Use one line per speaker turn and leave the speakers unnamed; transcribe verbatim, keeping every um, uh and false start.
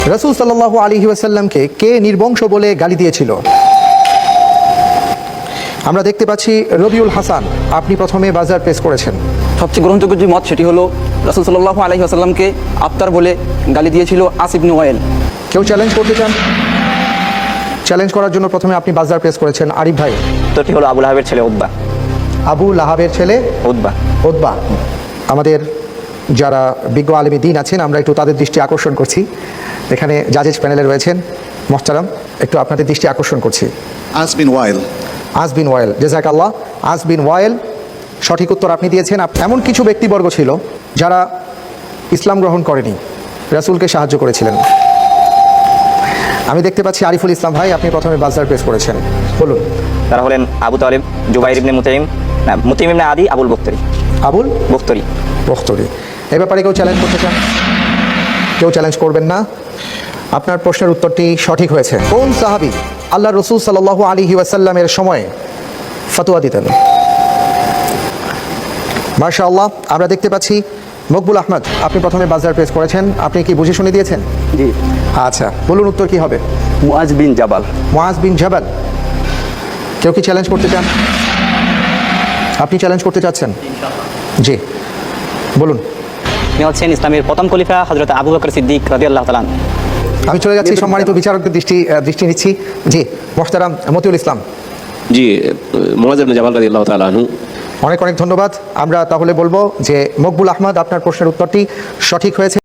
রাসূল সাল্লাল্লাহু আলাইহি ওয়াসাল্লামকে কে নির্বংশ বলে গালি দিয়েছিল? আমরা দেখতে পাচ্ছি রবিউল হাসান, আপনি প্রথমে বাজার পেশ করেছেন।
সবচেয়ে গ্রহণযোগ্য যে মত সেটি হলো রাসূল সাল্লাল্লাহু আলাইহি ওয়াসাল্লামকে আফতার বলে গালি দিয়েছিল আস ইবনে ওয়াইল।
কেউ চ্যালেঞ্জ করতে চান? চ্যালেঞ্জ করার জন্য প্রথমে আপনি বাজার পেশ করেছেন। আরিফ ভাই?
উত্তরটি হলো আবু লাহাবের ছেলে উতবা।
আবু লাহাবের ছেলে
উতবা।
উতবা। আমাদের যারা বিজ্ঞ আলেমী দ্বীন আছেন, আমরা একটু তাদের দৃষ্টি আকর্ষণ করছি। এখানে জাজেস প্যানেলে রয়েছেন মোহতারাম, একটু আপনাদের দৃষ্টি আকর্ষণ করছি।
আস বিন ওয়াইল।
আস বিন ওয়াইল, জাযাকাল্লাহ। আস বিন ওয়াইল সঠিক উত্তর আপনি দিয়েছেন। এমন কিছু ব্যক্তিবর্গ ছিল যারা ইসলাম গ্রহণ করেনি, রাসূলকে সাহায্য করেছিলেন। আমি দেখতে পাচ্ছি আরিফুল ইসলাম ভাই, আপনি প্রথমে বাজার প্রেস করেছেন, বলুন।
তারা হলেন আবু তালেব, জুবাইর ইবনে মুতাইম, না মুতাইম ইবনে আদি, আবুল বখতরি।
আবুল
বখতরি।
বখতরি। এ ব্যাপারে কেউ চ্যালেঞ্জ করতে চান? কেউ চ্যালেঞ্জ করবেন না। আপনার প্রশ্নের উত্তরটি সঠিক হয়েছে। কোন সাহাবী আল্লাহ রসুল সাল্লাল্লাহু আলাইহি ওয়াসাল্লামের সময় ফতোয়া দিতেন? মাশাআল্লাহ, আমরা দেখতে পাচ্ছি মকবুল আহমদ, আপনি প্রথমে বাজার প্রেস করেছেন। আপনি কি বুঝে শুনে দিয়েছেন?
জি।
আচ্ছা, বলুন উত্তর কি হবে?
মুআজ বিন জাবাল।
মুআজ বিন জাবাল। কেউ কি চ্যালেঞ্জ করতে চান? আপনি চ্যালেঞ্জ করতে চাচ্ছেন? জি, বলুন।
তিনি হচ্ছেন ইসলামের প্রথম খলিফা হযরত আবু বকর সিদ্দিক রাদিয়াল্লাহু তাআলা।
আমি চলে যাচ্ছি, সম্মানিত বিচারকদের দৃষ্টি দৃষ্টি নিচ্ছি। জি, মোহতারাম মতিউল ইসলাম।
জি, মুআজ ইবনে জাবাল রাদিয়াল্লাহু তাআলা আনহু।
অনেক অনেক ধন্যবাদ। আমরা তাহলে বলবো যে মকবুল আহমদ, আপনার প্রশ্নের উত্তরটি সঠিক হয়েছে।